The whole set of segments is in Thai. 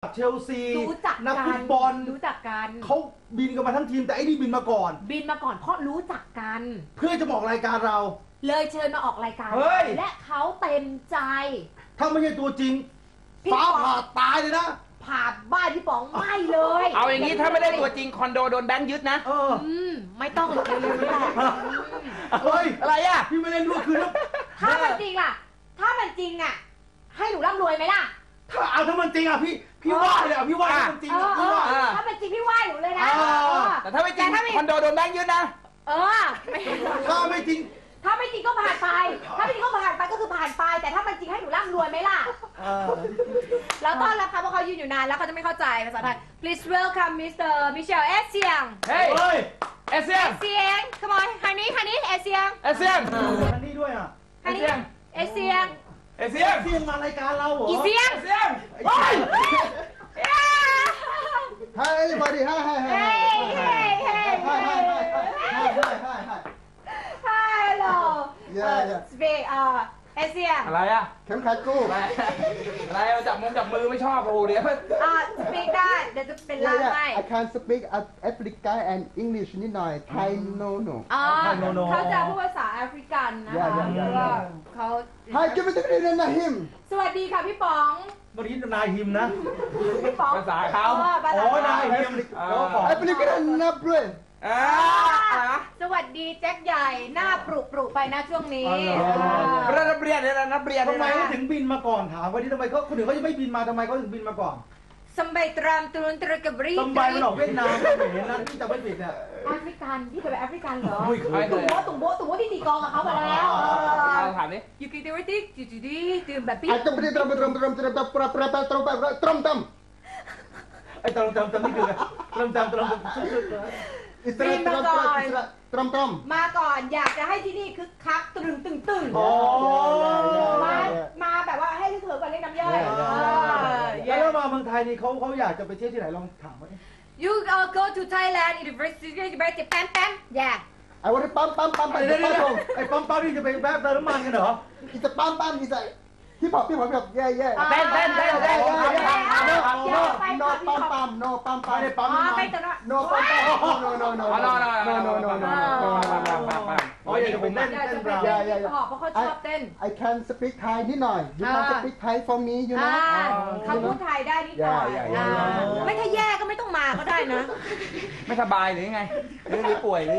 เชลซีรู้จักนักฟุตบอลรู้จักกันเขาบินกันมาทั้งทีมแต่ไอ้นี่บินมาก่อนเพราะรู้จักกันเพื่อจะบอกรายการเราเลยเชิญมาออกรายการและเขาเต็มใจถ้าไม่ใช่ตัวจริงฟ้าผ่าตายเลยนะผ่าบ้านพี่ป๋องไม่เลยเอาอย่างนี้ถ้าไม่ได้ตัวจริงคอนโดโดนแบงค์ยึดนะไม่ต้องเร็วๆนี่แหละเฮ้ยอะไรอ่ะพี่ไม่เล่นด้วยคือถ้ามันจริงล่ะถ้ามันจริงอ่ะให้หนูร่ำรวยไหมล่ะถ้ามันจริงอ่ะพี่ว่าเลยอ่ะพี่ว่าถ้ามันจริงพี่ว่าถ้ามันจริงพี่ว่าหนูเลยนะแต่ถ้าไม่จริงคอนโดโดนแบงค์ยึดนะถ้าไม่จริงก็ผ่านไปถ้าไม่จริงก็ผ่านไปก็คือผ่านไปแต่ถ้ามันจริงให้หนูร่ำรวยไหมล่ะแล้วต้อนรับค่ะเพราะเขายืนอยู่นานแล้วเขาจะไม่เข้าใจภาษาไทย Please welcome Mr. Michelle Esiang เฮ้ยเอเซียง come on honey Esiang ฮันนี่ด้วยอ่ะ Esiang มารายการเราเหรออีเซียงเฮ้ย Hi everybody Hi Hello Yeah Speak เอเซียอะไรอ่ะเข็มขัดกู้อะไรจับมือไม่ชอบโอ้เดี๋ยว Speak ได้เดี๋ยวจะเป็นล่ามให้ I can speak African and English นิดหน่อย Thai no เขาจะพูดภาษาแอฟริกันนะคะเขา Hi จะไปตะกี้นะฮิมสวัสดีค่ะพี่ป๋องเมื่อกี้นายฮิมนะพี่ป๋องภาษาเขานายฮิมแอฟริกันนับด้วยสวัสดีแจ็คใหญ่หน้าปรุไปนะช่วงนี้นับเรียนทำไมถึงบินมาก่อนถามว่าที่ทำไมคนอื่นเขาจะไม่บินมาทำไมเขาถึงบินมาก่อนสมัยตรามตุนตรกบรีสมัยมันออกเวียดนามเห็นนะที่จะไม่ผิดเนี่ยแอฟริกันพี่เคยไปแอฟริกันเหรอตุ่มโบที่ตีกองกับเขาไปแล้วถามดิยูกิเดวิติจีตื่นแบบพี่ไอ้ตรงนี้ตรงไอ้ตรงนี่คือตรงมาก่อนอยากจะให้ที่นี่คึกคักตึงมาแบบว่าให้เธอก่อนเล่นน้ำย่อยแล้วมาเมืองไทยนี่เขาอยากจะไปเที่ยวที่ไหนลองถามว่า You go to Thailand University แป๊มyeah ไอ้วันนี้ปั๊มไปไอ้ปั๊มนี่จะไปแวะเติมน้ำมันกันเหรออีจะปั๊มอีจะพี่พอแบบแย่เต้นโนปั๊มไม่ได้ปั๊มไม่ตอนนั้นโนปั๊มอ๋ออยากจะไปเต้นเพราะเขาชอบเต้น I can speak Thai นิดหน่อย You can speak Thai for me you know เขาพูดไทยได้นิดหน่อยไม่ถ้าแย่ก็ไม่ต้องมาก็ได้นะไม่สบายหรือไงหรือป่วยหรือ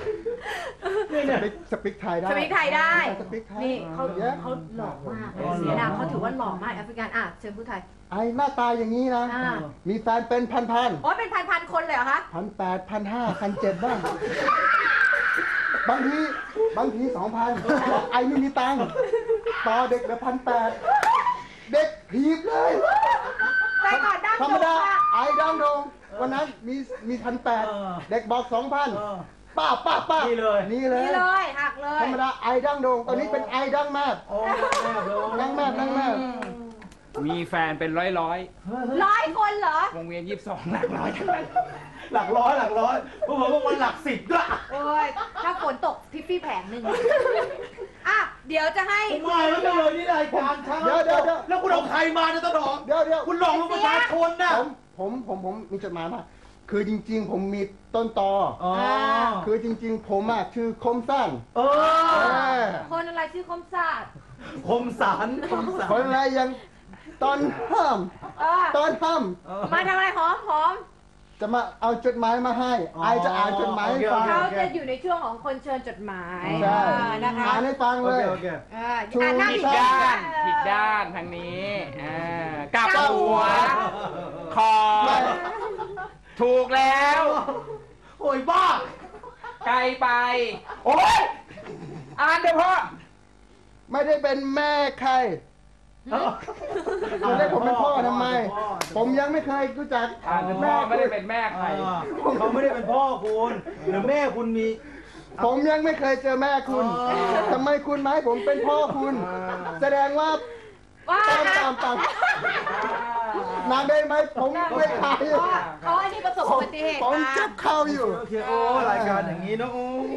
สปิกไทยได้นี่เขาหล่อมากเสียดายเขาถือว่าหล่อมากแอฟริกันเชิญพูดไทยไอ้หน้าตาอย่างนี้นะมีแฟนเป็นพันโอ้เป็นพันคนเลยเหรอคะ 1,800 1,500 1,700บ้างบางที2,000ไอ้ไม่มีตังค์ต่อเด็กละ1,800เด็กผีบเลยธรรมดาไอ้ดังโดงวันนั้นมี1,800เด็กบอก2,000ป้านี่เลยหักเลยธรรมดาไอ้ดังโดงตอนนี้เป็นไอ้ดังแม่ดังแม่มีแฟนเป็นร้อยคนเหรอวงเวียน22หลักร้อยหลักร้อยผมว่ามันหลัก10ด้วยโอ้ยถ้าฝนตกทิฟฟี่แผงหนึ่งเดี๋ยวจะให้ไม่แล้วเลยนี่รายการช่างเดี๋ยวแล้วคุณเอาใครมาเนี่ยต้นหอมเดี๋ยวคุณหลอกลวงประชาชนนะผมมีจดหมายมาคือจริงๆผมมีต้นตอคือจริงๆผมชื่อคมสั้นคนอะไรชื่อคมสารคนอะไรยังตอนห้ามมาทำอะไรหอมจะมาเอาจดหมายมาให้ไอจะอ่านจดหมายให้ฟังเขาจะอยู่ในช่วงของคนเชิญจดหมายนะคะอ่านให้ฟังเลยผิดด้านทางนี้กลับหัวคอถูกแล้วโอ้ยบ้าไกลไปโอ้ยอ่านเดี๋ยวพ่อไม่ได้เป็นแม่ใครจะได้ผมเป็นพ่อทำไมผมยังไม่เคยรู้จักแม่ไม่ได้เป็นแม่ใครเขาไม่ได้เป็นพ่อคุณหรือแม่คุณมีผมยังไม่เคยเจอแม่คุณทำไมคุณหมายผมเป็นพ่อคุณแสดงว่าตามนางได้ไหมผมไม่ขายเขาอันนี้ประสบอุบัติเหตุผมจับเข้าอยู่โอ้รายการอย่างนี้เนาะ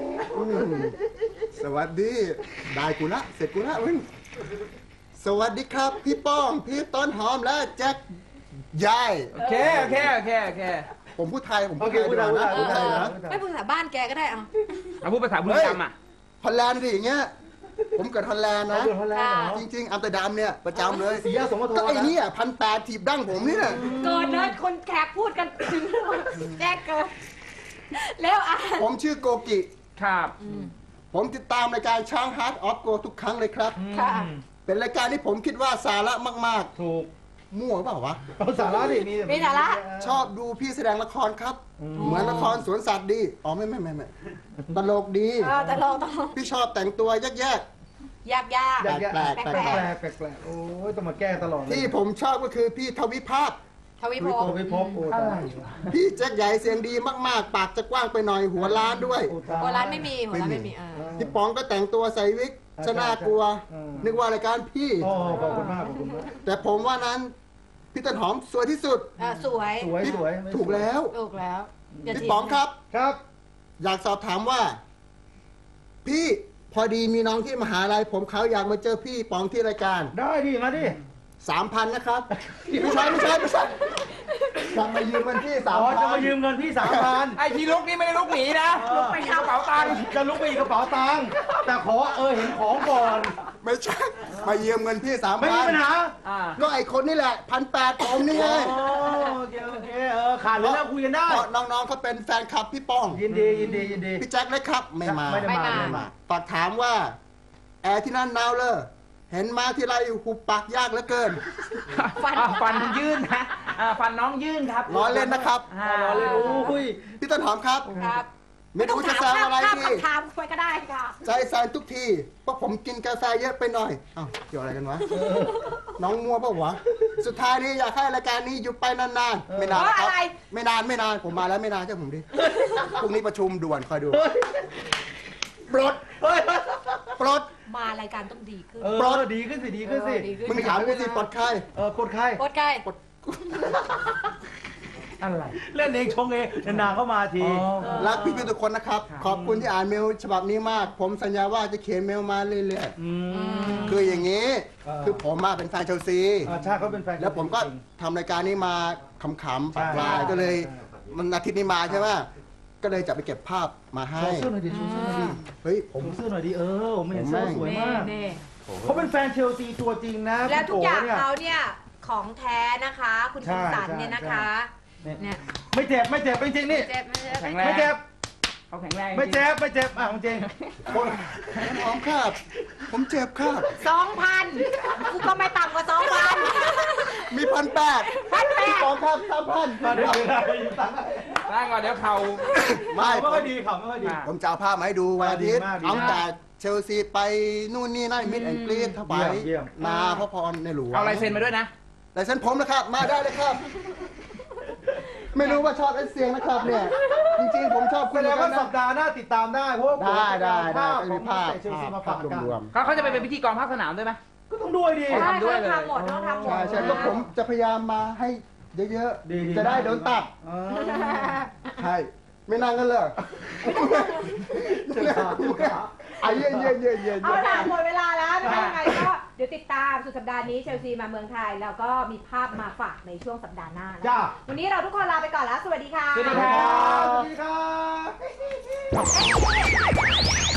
สวัสดีได้กูละเสร็จกูละสวัสดีครับพี่ป้องพี่ต้นหอมและแจ็คยายโอเคโอเคโอเคโอเคผมพูดไทยผมโอพูดเคไทยพูดดีกได้ว่าพูดนะได้พูดไทยนะไม่พูดภาษาบ้านแกก็ได้เอาเอาพูดภาษาบุรีรัมย์อ่ะฮอลแลนด์ดิอย่างเงี้ยผมเกิดฮอลแลนด์เอานะเดือดฮอลแลนด์เหรอจริงๆอัมสเตอร์ดัมเนี่ยประจำเลยสีแยกสมทก็บไอ้นะเนี่ย1,800ถีบดั้งผมนี่แหละเกินเนิร์ดคนแขกพูดกันถึงแจ้งเกินแล้วอ่านผมชื่อโกกิครับผมติดตามรายการช้างฮาร์ดออฟโกทุกครั้งเลยครับค่ะเป็นรายการที่ผมคิดว่าสาระมากถูกๆ มั่วเปล่าวะเอาสาระดิมีสาระชอบดูพี่แสดงละครครับ เหมือนละครสวนสัตว์ดี อ๋อไม่ตลกดีแต่เราต้องพี่ชอบแต่งตัวแยกยากอยากแปลกแปลกแปลกโอ้ยต้องมาแก้ตลอดๆเลยที่ผมชอบก็คือพี่ทวิภาพทวิภโอ้พไปพบโอ้ตายพี่แจ็คใหญ่เสียงดีมากๆ ปากจะกว้างไปหน่อยหัวล้านด้วยโอ้ตายหัวร้านไม่มีหัวร้านไม่มีพี่ป๋องก็แต่งตัวใส่วิกชน่ากลัว นึกว่ารายการพี่โอ้ขอบคุณมากขอบคุณมากแต่ผมว่านั้นพี่ต้นหอมสวยที่สุดสวยสวยสวยถูกแล้วถูกแล้วอย่าพี่ถีบป๋องครับครับอยากสอบถามว่า พี่พอดีมีน้องที่มหาลัยผมเขาอยากมาเจอพี่ป๋องที่รายการได้ดิมาดิ 3,000 นะครับ ไม่ใช่จะมายืมเงินพี่อ๋อจะมายื 3,000 มเงินพี่3,000 ไอ้ที่ลุกนี่ไม่ได้ลุกหนีนะลุกไปกระเป๋าตังค์จะลุกไปอีกกระเป๋าตังค์แต่ขอเห็นของก่อนไม่ใช่ มายืมเงินพี่ไม่มีปัญหาอ่า 3,000 ก็ไอคนนี่แหละ1,800ผมนี่ไงโอเคโอเคขาดเลยแล้วคุยกันได้เพราะน้องๆเขาเป็นแฟนคลับพี่ป้องยินดียินดียินดีพี่แจ็คเลยครับ ไม่มาไม่ได้มาไม่ได้มาฝากถามว่า แอร์ที่นั่นหนาวเลยเห็นมาที่ไรหุบปากยากเหลือเกินฟันยื่นนะฟันน้องยื่นครับล้อเล่นนะครับรอเลยโอ้ยพี่ต้นหอมครับครับไม่รู้จะแซวอะไรดีถามไปก็ได้ค่ะใจสั่นทุกทีเพราะผมกินกาแฟเยอะไปหน่อยอ้าวเกี่ยวอะไรกันวะ น้องมัวเปล่าวะ สุดท้ายนี้อยากให้รายการนี้อยู่ไปนานๆ ไม่นานนะคเพรับราะอะไรไม่นานผมมาแล้วไม่นานเจ้าผมดิ พรุ่งนี้ประชุมด่วนคอยดู ปลดเฮ้ยปลดมารายการต้องดีขึ้นปลดดีขึ้นสิดีขึ้นสิดีขึ้นมึงถามกูสิปลดใครกดใครโคตรใกล้อะไรเล่นเองชงเองนานๆเข้ามาทีรักพี่ๆทุกคนนะครับ ขอบคุณที่อ่านเมลฉบับนี้มาก ผมสัญญาว่าจะเขียนเมลมาเรื่อยๆ คืออย่างนี้ คือผมมาเป็นแฟนเชลซีชาเขาเป็นแฟนแล้วผมก็ทำรายการนี้มาขำๆปากปลายก็เลย มันอาทิตย์นี้มาใช่ไหมก็เลยจะไปเก็บภาพมาให้โชว์เสื้อหน่อยดิโชว์เสื้อหน่อยดิเฮ้ยผมโชว์เสื้อหน่อยดิผมเห็นเสื้อสวยมากนี่เขาเป็นแฟนเชลซีตัวจริงนะแล้วทุกอย่างคุณโเนี่ยเขาเนี่ยของแท้นะคะ คุณใช่คิมสันใช่เนี่ยนะคะ เนี่ยไม่เจ็บไม่เจ็บจริงๆนี่เจ็บไม่เจ็บแข็งแรงไม่เจ็บเขาแข็งแรงไม่เจ็บไม่เจ็บจริงคนหอมครับ ผมเจ็บครับ 2,000กูก็ไม่ต่ำกว่า 2,000 มี1,800 1,800 สองครับ3,000 มาเดี๋ยวตังค์ร่างก่อนเดี๋ยวเข่าไม่ไม่ค่อยดีข่าวไม่ค่อยดีผมจะเอาภาพมาให้ดูวันอาทิตย์ดีมากดีมากเอาแต่เชลซีไปนู่นนี่นั่นมิดแอนด์กรีนถวายเยี่ยมนาพระพรในหลวงเอาลายเซ็นมาด้วยนะลายเซ็นผมนะครับ มาได้เลยครับ ไม่รู้ว่าชอบไอ้เสียงนะครับเนี่ย จริงๆ ผมชอบคุแสณดเหมืงอนกัว่าน สันะปดาห์หน้าติดตามได้เพราะว่าได้ภาพก็ขมีองภาพเชลซีมาฝากกันรวมเขาจะไปเป็นพิธีกรภาคสนามด้วยไหมก็ต้องด้วยดิใช่ทำด้วยเลยทำหมดต้องทำหมดใช่ก็ผมจะพยายามมาให้เยอะดีๆ จะได้โดนตัด ใช่ ไม่นานกันเลย ไอ้เย็นเอาล่ะหมดเวลาแล้วนะคะยังไงก็เดี๋ยวติดตามสุดสัปดาห์นี้เชลซีมาเมืองไทย แล้วก็มีภาพมาฝากในช่วงสัปดาห์หน้านะจ้าวันนี้เราทุกคนลาไปก่อนแล้ว สวัสดีค่ะสวัสดีครับสวัสดีครับ